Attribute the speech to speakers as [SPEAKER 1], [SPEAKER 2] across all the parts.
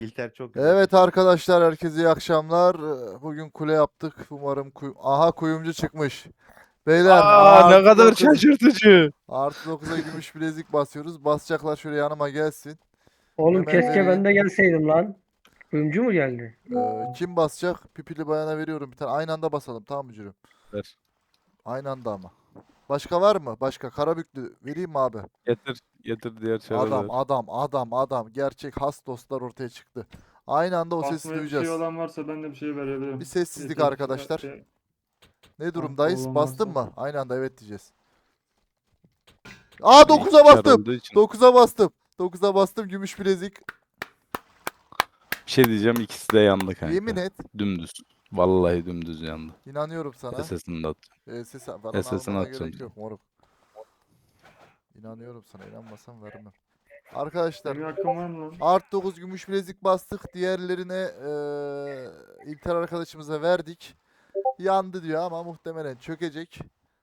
[SPEAKER 1] İlter çok güzel.
[SPEAKER 2] Evet arkadaşlar, herkese iyi akşamlar. Bugün kule yaptık. Umarım aha, kuyumcu çıkmış. Beyler
[SPEAKER 3] Aa, ne
[SPEAKER 2] artı
[SPEAKER 3] kadar
[SPEAKER 2] 9
[SPEAKER 3] şaşırtıcı.
[SPEAKER 2] artı 9'a gümüş bilezik basıyoruz. Basacaklar, şöyle yanıma gelsin.
[SPEAKER 4] Oğlum
[SPEAKER 2] Hemen
[SPEAKER 4] keşke ben
[SPEAKER 2] vereyim.
[SPEAKER 4] de gelseydim lan. Kuyumcu mu geldi?
[SPEAKER 2] Kim basacak? Pipili bayana veriyorum bir tane. Aynı anda basalım, tamam mı Cürüm?
[SPEAKER 3] Ver.
[SPEAKER 2] Aynı anda ama. Başka var mı? Başka Karabüklü vereyim mi abi?
[SPEAKER 3] Getir diğer
[SPEAKER 2] Adam
[SPEAKER 3] çarları.
[SPEAKER 2] adam adam adam. Gerçek has dostlar ortaya çıktı. Aynı anda o sesi
[SPEAKER 5] Basmaya bir
[SPEAKER 2] duyacağız.
[SPEAKER 5] şey olan varsa ben de bir şey verebilirim.
[SPEAKER 2] Bir sessizlik
[SPEAKER 5] Yeter ki
[SPEAKER 2] arkadaşlar. Ne
[SPEAKER 5] Bankta
[SPEAKER 2] durumdayız?
[SPEAKER 5] olan
[SPEAKER 2] Bastın
[SPEAKER 5] varsa.
[SPEAKER 2] mı? Aynı anda evet diyeceğiz. Aa, 9'a
[SPEAKER 3] Çar
[SPEAKER 2] bastım.
[SPEAKER 3] olduğu için.
[SPEAKER 2] 9'a bastım. 9'a bastım, gümüş bilezik.
[SPEAKER 3] Bir şey diyeceğim, ikisi de yandı kanka.
[SPEAKER 2] Yemin et.
[SPEAKER 3] Dümdüz. Vallahi dümdüz yandı.
[SPEAKER 2] İnanıyorum sana.
[SPEAKER 3] SS'ini de at.
[SPEAKER 2] Ses falan
[SPEAKER 3] SS'ini
[SPEAKER 2] almana
[SPEAKER 3] atacağım
[SPEAKER 2] gerek
[SPEAKER 3] sana.
[SPEAKER 2] yok moruk. İnanıyorum sana. İnanmasam vermem. Arkadaşlar
[SPEAKER 5] Benim hakkım var mı lan?
[SPEAKER 2] art 9 gümüş bilezik bastık. Diğerlerine İlter arkadaşımıza verdik. Yandı diyor ama muhtemelen çökecek.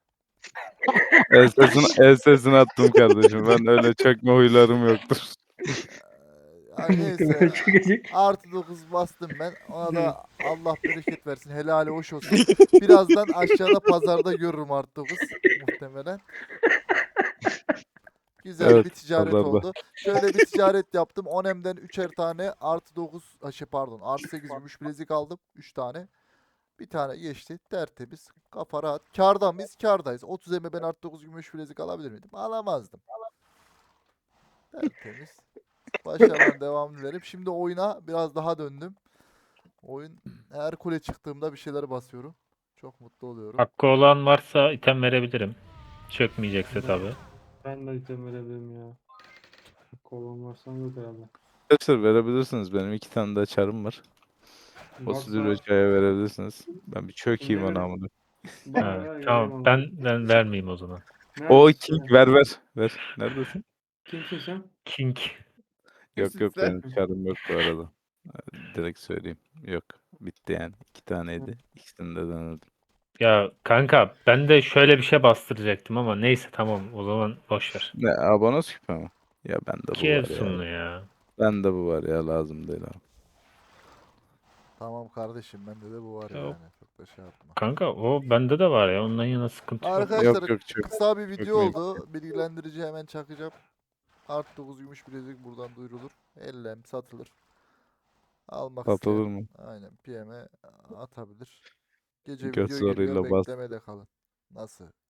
[SPEAKER 3] SS'ini attım kardeşim. Ben öyle çökme huylarım yoktur.
[SPEAKER 2] Neyse.
[SPEAKER 4] Muhtemelen çekecek.
[SPEAKER 2] Artı 9 bastım ben. Ona da Allah bereket versin. Helali hoş olsun. Birazdan aşağıda pazarda görürüm artı 9 muhtemelen. Güzel
[SPEAKER 3] Evet,
[SPEAKER 2] bir ticaret
[SPEAKER 3] pazarda.
[SPEAKER 2] oldu. Şöyle bir ticaret yaptım. Onem'den 3'er tane artı 9 pardon artı 8 gümüş bilezik aldım. 3 tane. Bir tane geçti. Tertemiz. Kafa rahat. Kârda mıyız? Kârdayız. 30 eme ben artı 9 gümüş bilezik alabilir miydim? Alamazdım. Tertemiz. Başarılar devam dilerim. Şimdi oyuna biraz daha döndüm. Oyun, her kule çıktığımda bir şeyler basıyorum. Çok mutlu oluyorum.
[SPEAKER 6] Hakkı olan varsa item verebilirim. Çökmeyecekse tabi.
[SPEAKER 5] Ben de item verebilirim ya. Kolon varsa yok herhalde.
[SPEAKER 3] Arkadaşlar verebilirsiniz. Benim 2 tane daha çarım var. O sizi
[SPEAKER 5] Varsa
[SPEAKER 3] Röca'ya verebilirsiniz. Ben bir çökeyim
[SPEAKER 5] Kimde
[SPEAKER 3] ona
[SPEAKER 5] ver-
[SPEAKER 3] amına.
[SPEAKER 5] bana ver
[SPEAKER 6] Tamam
[SPEAKER 5] vereyim
[SPEAKER 6] ben vermeyeyim o zaman.
[SPEAKER 3] O
[SPEAKER 5] Neredesin
[SPEAKER 3] King
[SPEAKER 5] sen?
[SPEAKER 3] ver. Neredesin?
[SPEAKER 5] Kimsin sen?
[SPEAKER 6] King.
[SPEAKER 3] Yok
[SPEAKER 1] Sen-
[SPEAKER 3] benim çarım yok bu arada. Direkt söyleyeyim. Yok. Bitti yani. 2 taneydi. İkisini de denedim.
[SPEAKER 6] Ya kanka ben de şöyle bir şey bastıracaktım ama neyse tamam o zaman boşver.
[SPEAKER 3] Ne, abone küpe mi? Ya bende
[SPEAKER 6] İki
[SPEAKER 3] bu var ya.
[SPEAKER 6] Efsunlu ya.
[SPEAKER 3] Bende bu var ya, lazım değil abi.
[SPEAKER 2] Tamam kardeşim, bende de bu var
[SPEAKER 6] Yok.
[SPEAKER 2] yani. Çok da şey yapma.
[SPEAKER 6] Kanka o bende de var ya ondan yana sıkıntı yok.
[SPEAKER 2] Arkadaşlar
[SPEAKER 3] Yok, çok.
[SPEAKER 2] kısa bir video
[SPEAKER 3] Çökmeyin.
[SPEAKER 2] oldu. Bilgilendirici hemen çakacağım. Art 9 gümüş bilezik buradan duyurulur. Ellem satılır. Almak
[SPEAKER 3] Satılır
[SPEAKER 2] isteyen
[SPEAKER 3] mı?
[SPEAKER 2] aynen PM'e atabilir. Gece
[SPEAKER 3] Göz
[SPEAKER 2] video geliyor,
[SPEAKER 3] zoruyla bas.
[SPEAKER 2] beklemede kalın. Nasıl?